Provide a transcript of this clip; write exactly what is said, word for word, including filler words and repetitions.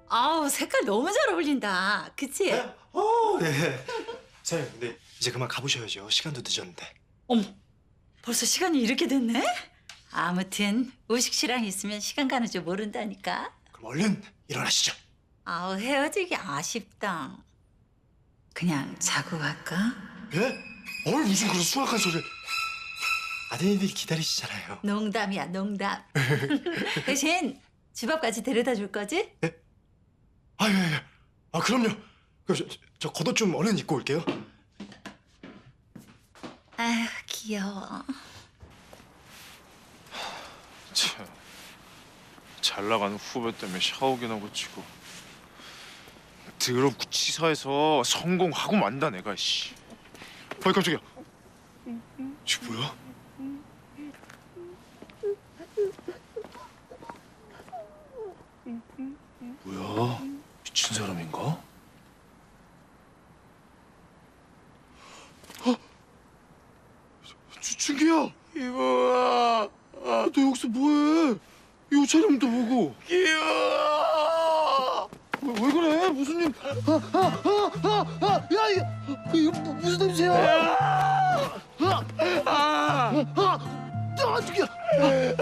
아우, 색깔 너무 잘 어울린다. 그치? 네? 어, 네. 사장님, 근데 이제 그만 가보셔야죠. 시간도 늦었는데. 어머, 벌써 시간이 이렇게 됐네? 아무튼 우식 씨랑 있으면 시간 가는 줄 모른다니까. 그럼 얼른 일어나시죠. 아우, 헤어지기 아쉽다. 그냥 자고 갈까? 예? 어이, 무슨 그런 수학한 소리를. 아드님들이 기다리시잖아요. 농담이야, 농담. 대신 집 앞까지 데려다 줄 거지? 아, 예, 예. 아, 그럼요. 그럼 저, 저 겉옷 좀 얼른 입고 올게요. 아휴, 귀여워. 참, 잘 나가는 후배 때문에 샤워기나 고치고 더럽고 치사해서 성공하고 만다 내가 씨. 아이 깜짝이야. 지 뭐야? 뭐야? 미친 사람인가? 어? 주, 준기야! 이모야! 아, 너 여기서 뭐해? 이 옷차림도 보고. 기야! 왜, 왜 그래? 무슨 일? 아, 아, 아, 아, 아, 야, 이거, 이거 무- 무슨 냄새야? 아, 아, 아, 아, 준기야!